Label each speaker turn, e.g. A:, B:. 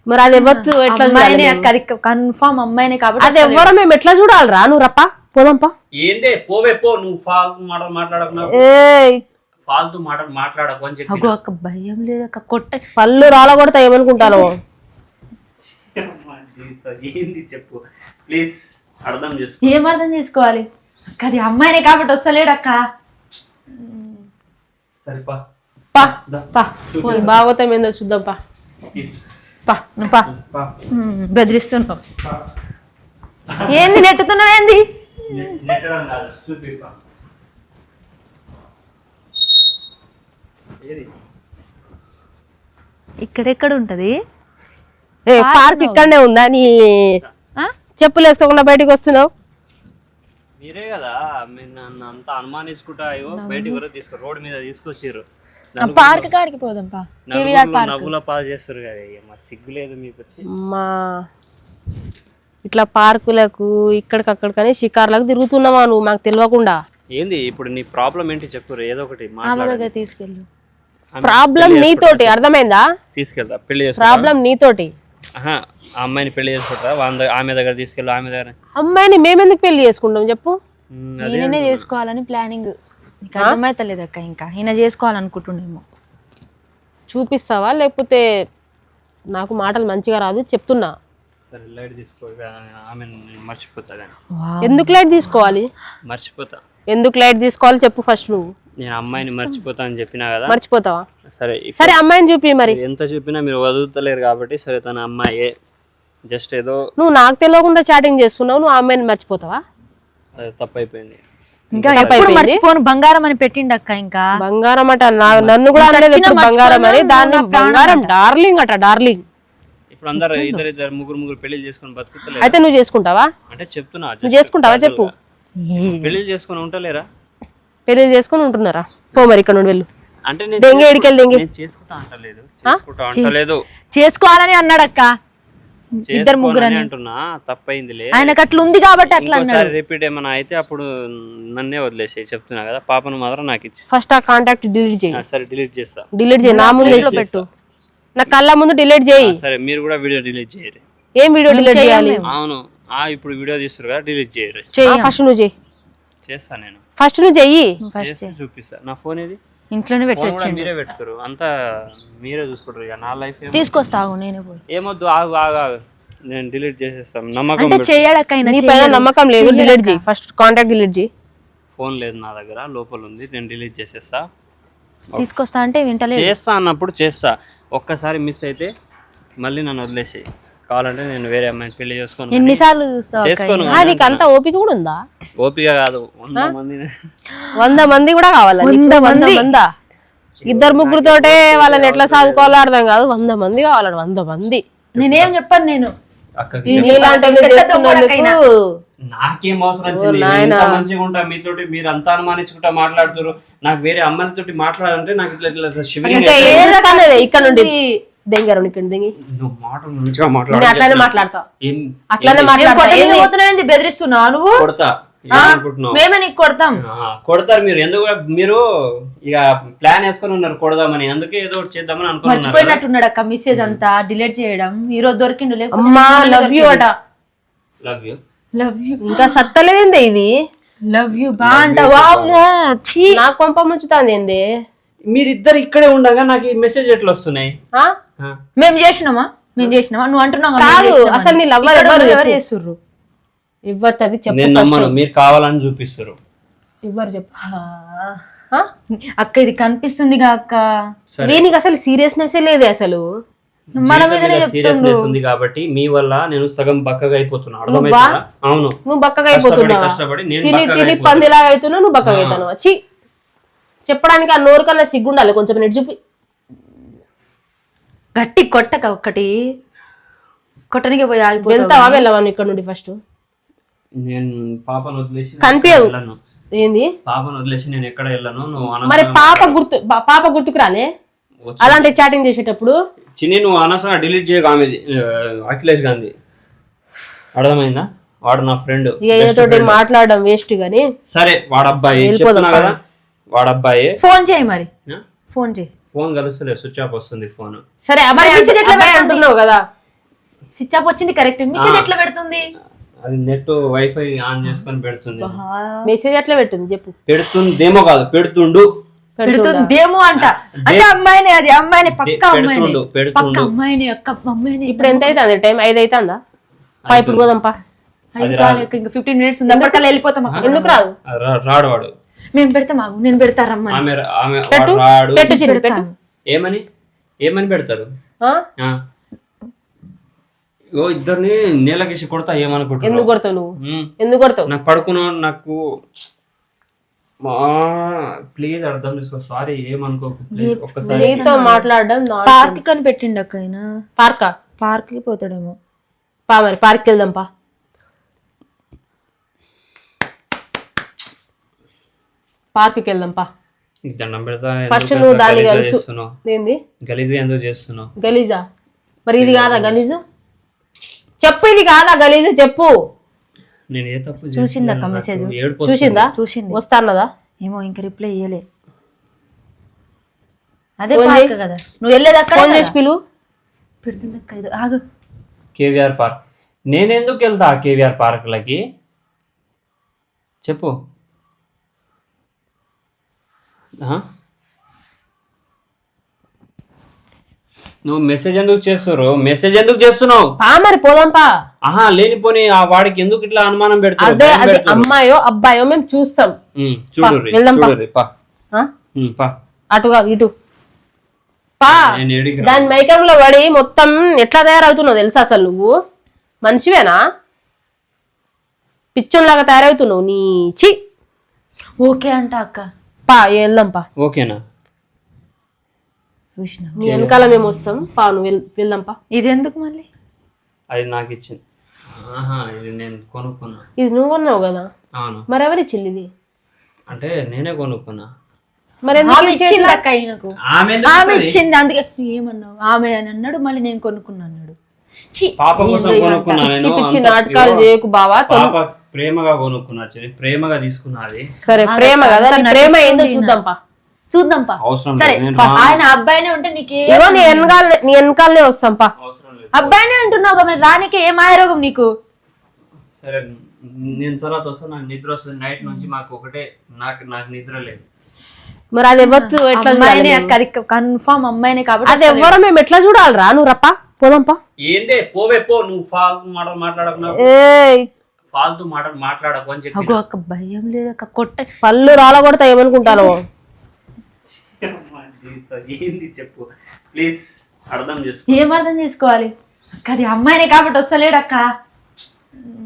A: మరి అది ఎవరు ఎట్లా
B: అమ్మాయినే అక్క, అది కన్ఫర్మ్ అమ్మాయినే కాబట్టి
A: అది ఎవరో మేము ఎట్లా చూడాలిరా? నువ్వు రప్పా పోదాంపా.
C: ఏందే పోవే పో, నువ్వు ఫాల్తు మాటలు మాట్లాడకు, ఫాల్తు మాటలు మాట్లాడకు అని చెప్పి.
B: అక్క భయం లేదక్క, కొట్ట
A: పళ్ళు రాలగొడతా ఏమనుకుంటాను.
C: ఏంది చెప్పు ప్లీజ్, అర్థం చేసుకో.
B: ఏం అర్థం చేసుకోవాలి అక్క? అది అమ్మాయినే కాబట్టి వస్తలేడు అక్క.
C: సరిపా
A: భాగవతం ఏందో చూద్దాం పా.
B: నువ్వు పా. బెదిరిస్తున్నావు ఏంది? నెట్టుతున్నావు ఏంది? ఇక్కడెక్కడ ఉంటది?
A: పార్క్ ఇక్కడనే ఉందా? నీ చెప్పులు వేసుకోకుండా బయటకు వస్తున్నావు.
C: మీరే కదా మీరు నన్ను అంతా అనుమానించుకుంటా బయటికి ఎవరో తీసుకో, రోడ్ మీద తీసుకొచ్చారు.
B: పార్క్ కాడికి పోదాం పా.
C: నవ్వుల పాలు చేస్తారు కదా, సిగ్గు లేదు మీకు వచ్చి.
A: మా ఇట్లా పార్కులకు ఇక్కడికక్కడికని షికార్లకు తిరుగుతున్నావా నువ్వు మాకు తెలియకుండా?
C: ఏంది ఇప్పుడు నీ ప్రాబ్లం ఏంటి చెప్పు, ఏదో ఒకటి
B: తీసుకెళ్ళు.
A: ప్రాబ్లం నీతోటి, అర్థమైందా?
C: తీసుకెళ్తా, పెళ్లి చేస్తా.
A: ప్రాబ్లం నీతోటి.
C: ఆ అమ్మాయిని పెళ్లి చేసుకుంటా, ఆమె దగ్గర తీసుకెళ్ళు. ఆమె దగ్గర
A: అమ్మాయిని మేమెందుకు పెళ్లి చేసుకుంటాం చెప్పు?
B: ఈయననే చేసుకోవాలని ప్లానింగ్. నీకు అర్థమైతలేదు అక్క, ఇంకా ఈయన చేసుకోవాలనుకుంటుండేమో.
A: చూపిస్తావా? లేకపోతే నాకు మాటలు మంచిగా రాదు చెప్తున్నా.
C: సరే లైట్ తీసుకో, ఆమె మర్చిపోతా.
A: ఎందుకు లైట్ తీసుకోవాలి?
C: మర్చిపోతా.
A: ఎందుకు లైట్ తీసుకోవాలి చెప్పు ఫస్ట్. నువ్వు
C: నేను అమ్మాయిని మర్చిపోతా అని చెప్పినా కదా.
A: మర్చిపోతావా?
C: సరే
A: సరే అమ్మాయిని చూపి. మరి
C: ఎంత చూపినా మీరు వదులుతలేరు కాబట్టి సరే తన అమ్మాయే. జస్ట్ ఏదో
A: నువ్వు నాకు తెలియకుండా చాటింగ్ చేస్తున్నావు, నువ్వు అమ్మాయిని మర్చిపోతావా?
C: అది తప్పైపోయింది.
B: ఇంకా ఎప్పుడు మర్చిపోను, బంగారం అని పెట్టిండు అక్క. ఇంకా
A: బంగారం అట, నన్ను కూడా అనలేదు ఎప్పుడు బంగారం అని. దాన్ని బంగారం డార్లింగ్ అట, డార్లింగ్.
C: ఇప్పుడు అందరు ఇద్దరు ముగ్గురు పెళ్లి చేసుకుని బతుకుతలేరు.
A: అయితే నువ్వు చేసుకుంటావా?
C: అంటే చెప్తున్నా,
A: నువ్వు చేసుకుంటావా చెప్పు.
C: పెళ్లి చేసుకుని ఉంటలేరా?
A: పెళ్లి చేసుకుని ఉంటున్నారా? పో మరి ఇక్కడ నుండి వెళ్ళు.
C: అంటే
A: దెంగే ఎడికెళ్ళి దెంగే.
C: చేసుకుంటా అంటలేదు,
B: చేసుకోవాలని అన్నాడు అక్క. ఇద్దరు ముగ్గురు
C: అంటున్నా, తప్పైందిలే.
B: ఆయనకు అట్లా ఉంది కాబట్టి అట్లా అన్నాడు.
C: రిపీట్ ఏమైనా అయితే అప్పుడు నన్నే వదిలేసి చెప్తున్నా కదా. పాపను మాత్రం నాకు ఇచ్చి
A: ఫస్ట్ ఆ కాంటాక్ట్ డిలీట్ చేయి.
C: సరే డిలీట్ చేస్తా.
A: డిలీట్ చేయి, నా ముందు పెట్టు, నా కళ్ళ ముందు డిలీట్ చేయి.
C: సరే మీరు కూడా వీడియో డిలీట్ చేయరు.
A: ఏం వీడియో డిలీట్ చేయాలి?
C: అవును, ఇప్పుడు వీడియో తీస్తారు కదా, డిలీట్ చేయరు.
A: ఫస్ట్ నువ్వు చేయి.
C: చేస్తా నేను.
A: ఫస్ట్ నువ్వు చెయ్యి,
C: చూపిస్తా. నా ఫోన్ ఇది
B: ఇంట్లోనే పెట్టొచ్చు.
C: మీరే పెట్టుకోరు, అంతా మీరే చూసుకుంటారు. ఇక నా లైఫ్
B: తీసుకొస్తావు, నేనే పోయి.
C: ఏమొద్దు, ఆగు ఆగు ఆగు, నేను డిలీట్ చేసేస్తాను. నమ్మకం
A: నీ పైన నమ్మకం లేదు, డిలీట్ చేయి. ఫస్ట్ కాంటాక్ట్ డిలీట్ చేయి.
C: ఫోన్ లేదు నా దగ్గర, లోపల ఉంది, నేను డిలీట్ చేసేస్తా.
B: తీసుకొస్తా అంటే వింటలేదు.
C: చేస్తా అన్నప్పుడు చేస్తా. ఒక్కసారి మిస్ అయితే మళ్ళీ నన్ను వదిలేసి, కావాలంటే నేను వేరే అమ్మాయిని పెళ్లి చేసుకోను.
B: ఎన్నిసార్లు చూస్తావు?
A: నీకు అంత ఓపిక కూడా ఉందా?
C: ఓపిక కాదు,
A: 100 మంది కూడా కావాలా? 100 మందా? ఇద్దరు ముగ్గురుతోటే వాళ్ళని ఎట్లా సాగుకోవాలో అర్థం కాదు. 100 మంది కావాలండి, 100 మంది.
B: నేనేం చెప్పాను, నేను
C: నాకేం అవసరం వచ్చింది? మంచిగా ఉంటా మీతోటి, మీరు అంతా అనుమానించుకుంటా మాట్లాడుతారు. నాకు వేరే అమ్మాయిలతోటి మాట్లాడాలంటే నాకు ఇట్లా
A: ఇక్కడ నుండి
B: బెదిరిస్తున్నావు నువ్వు? మేమే నీకు కొడతాం.
C: కొడతారు మీరు. ఎందుకు మీరు ఇక ప్లాన్ వేసుకొని ఉన్నారు కొడదామని, అందుకే ఏదో ఒకటి చేద్దామని అనుకున్నారు.
B: మర్చిపోయినట్టున్నాడు అక్క, మెసేజ్ అంతా డిలీట్ చేయడం. ఈ రోజు దొరికిండు.
A: లవ్ యూ అట.
C: Love you,
B: love you.
A: ఇంకా సత్తలేదేంది ఇది?
B: లవ్ యూ బా అంటావా?
A: నాకు కొంప ముంచుతాంది ఏంది?
C: మీరిద్దరు ఇక్కడే ఉండగా నాకు ఈ మెసేజ్ ఎట్లా వస్తున్నాయి?
B: మేము చేసినామా? నువ్వు అంటున్నావు
A: కాదు. అసలు నీ లవ్ ఎవరు చేస్తుర్రు? ఇవ్వతది చెప్పు.
C: నేను నమ్మను, మీరు కావాలని చూపిస్తారు.
A: ఇవ్వరు చెప్పు
B: అక్క. ఇది కనిపిస్తుంది అక్క,
A: దీనికి అసలు సీరియస్నెస్ లేదే. అసలు
B: మన మీదనే
C: సీరియస్నెస్ ఉంది కాబట్టి మీ వల్ల నేను సగం బక్కగా అయిపోతున్నా. అర్థమైందా? అవును,
A: నువ్వు బక్కగా అయిపోతున్నావు. తిని పందిలాగా అవుతున్నావు, నువ్వు బక్కగా అవుతాను. వచ్చి చెప్పడానికి ఆ నోరు కన్నా సిగ్గుండాలి కొంచెం. నెట్ చూపి
B: గట్టి కొట్టక, ఒక్కటి కొట్టనికి పోయి
A: వెళ్తావా? వెళ్ళవా ఇక్కడ నుండి? ఫస్ట్
C: నేను పాపను వదిలేసి
A: కనిపించవు. ఏంది
C: పాపను వదిలేసి నేను ఎక్కడ వెళ్ళను. నువ్వు
A: మరి పాప గుర్తుకు రాలే అలాంటి చాటింగ్ చేసేటప్పుడు?
C: చిన్ని నువ్వు అనవసరంగా డిలీట్ చేయకు. ఆమె అఖిలేష్ గాంధీ, అర్థమైందా? వాడు నా ఫ్రెండ్.
A: తోటి మాట్లాడడం వేస్ట్ గానీ.
C: సరే వాడు అబ్బాయి, చెప్తున్నా కదా, వాడు అబ్బాయి.
B: ఫోన్ చేయి మరి, ఫోన్ చేయి.
C: ఫోన్ కలుస్తలేదు, స్విచ్ ఆఫ్ వస్తుంది ఫోన్.
A: సరే అబ్బాయి అంటున్నావు కదా,
B: స్విచ్ ఆఫ్ వచ్చింది కరెక్ట్, మెసేజ్ ఎట్లా పెడుతుంది?
C: అది నెట్ వైఫై ఆన్ చేసుకొని పెడుతుంది.
A: మెసేజ్ ఎట్లా పెట్టింది చెప్పు.
C: పెడుతుందేమో కాదు,
B: పెడుతుందేమో అంట. అంటే అమ్మాయినే, అది అమ్మాయినే, పక్క అమ్మాయినే,
C: పెడుతుండు.
B: అమ్మాయినే, అక్క అమ్మాయినే.
A: ఇప్పుడు ఎంత అవుతుంది టైం? 5 అవుతుందా? ఇప్పుడు పోదాంపా.
B: ఇంకా 15 minutes ఉంది, అప్పటికల్లా వెళ్ళిపోతాం.
A: ఎందుకు రాదు?
C: రాడు వాడు.
B: మేము పెడతాం, నేను పెడతారమ్మా.
C: రాడు.
A: పెట్టు చిన్న పెట్టు.
C: ఏమని పెడతారు? ఇద్దరిని నేలకేసి కొడతా ఏమనుకుంటా.
A: ఎందుకు కొడతావు నువ్వు? ఎందుకు కొడతావు?
C: నాకు పడుకున్నా, నాకు ప్లీజ్ అర్థం చేసుకో. సారీ ఏమనుకోకు. ఒక్కసారి
A: నీతో మాట్లాడడం
B: పార్క్ అని పెట్టిండు అక్క. ఆయన పార్క్ కి పోతాడేమో.
A: మరి పార్క్ వెళ్దాం పా. పార్క్కి వెళ్దాం పా.
C: దండం పెడతా.
A: ఫస్ట్ నువ్వు దాన్ని గలీజు. ఏంది
C: గలీజుగా ఎందుకు చేస్తున్నావు?
A: గలీజా? మరి ఇది కాదా గలీజు? చెప్పు, ఇది కాదా గలీజు చెప్పు.
C: నేను ఏ తప్పు
B: చూసిందక్క మెసేజ్?
A: చూసిందా?
B: చూసింది.
A: వస్తాన్నదా?
B: ఏమో ఇంకా రిప్లై ఇయ్యలే. అదే పార్క్ కదా, నువ్వు వెళ్ళేది అక్కడ.
A: ఫోన్ చేసి పిలు.
B: పెడుతుందక్క. ఇది ఆగు.
C: KVR park. నేను ఎందుకు వెళ్తా కేవీఆర్ పార్క్లకి చెప్పు. నువ్వు మెసేజ్ ఎందుకు చేస్తున్నావు?
A: మరి పోదాం పా.
C: లేనిపోని ఆ వాడికి ఎందుకు ఇట్లా అనుమానం పెడతావు?
A: అదే అది అమ్మాయో అబ్బాయో మేము చూస్తాం. అటుగా ఇటు పా. దాని మైకంలో పడి మొత్తం ఎట్లా తయారవుతున్నావు తెలుసా? అసలు నువ్వు మనిషివేనా? పిచ్చోన్లాగా తయారవుతున్నావు. నీచి.
B: ఓకే అంట అక్క.
A: పా వెళ్దాం పా.
C: ఓకేనా?
B: చూసిన
A: నీ వెనకాల మేము వస్తాం పా. నువ్వు వెళ్దాం పా.
B: ఇది ఎందుకు మళ్ళీ?
C: అది నాకు ఇచ్చింది. ఇది నేను కొనుక్కున్నా.
A: ఇది నువ్వు కొన్నావు కదా?
C: అవును.
A: మరి ఎవరిచ్చింది ఇది?
C: అంటే నేనే కొనుక్కున్నా.
A: మరి
B: ఇచ్చింది అక్క ఆయనకు. ఆమె ఇచ్చింది. అందుకే ఏమన్నావు? ఆమె అని అన్నాడు, మళ్ళీ నేను కొనుక్కున్నా అన్నాడు.
C: పాప కోసం కొనుక్కున్నా.
A: పిచ్చి నాటకాలు చేయకు బావా.
C: ప్రేమగా కొనుక్కున్నా, ప్రేమగా తీసుకున్నది.
A: సరే ప్రేమ కదా, ప్రేమ ఏందో చూద్దాం పా.
B: సరే ఆయన అబ్బాయినే ఉంటే నీకు
A: నీ వెనకాలనే వస్తాం పా.
B: అబ్బాయినే అంటున్నావు కదా, రానికి ఏ మాయరోగం నీకు?
C: సరే నేను తర్వాత వస్తాను. నాకు నిద్ర వస్తుంది నైట్ నుంచి. మాకు ఒకటే, నాకు నిద్ర లేదు.
A: మరి అది ఎవరు ఎట్లా
B: కన్ఫర్మ్ అమ్మాయినే కాబట్టి
A: అది ఎవరో మేము ఎట్లా చూడాలరా? నువ్వు రప్పా పోదాంపా.
C: ఏందే పోవే పో. నువ్వు ఫాల్తు మాటలు మాట్లాడకు అని చెప్పి.
B: అక్క భయం లేదక్క, కొట్ట
A: పళ్ళు రాలగొడతా ఏమనుకుంటాను.
C: ఏంది చెప్పు ప్లీజ్, అర్థం చేసుకో.
B: ఏం అర్థం చేసుకోవాలి అక్క? అది అమ్మాయినే కాబట్టి వస్తలేడక్క.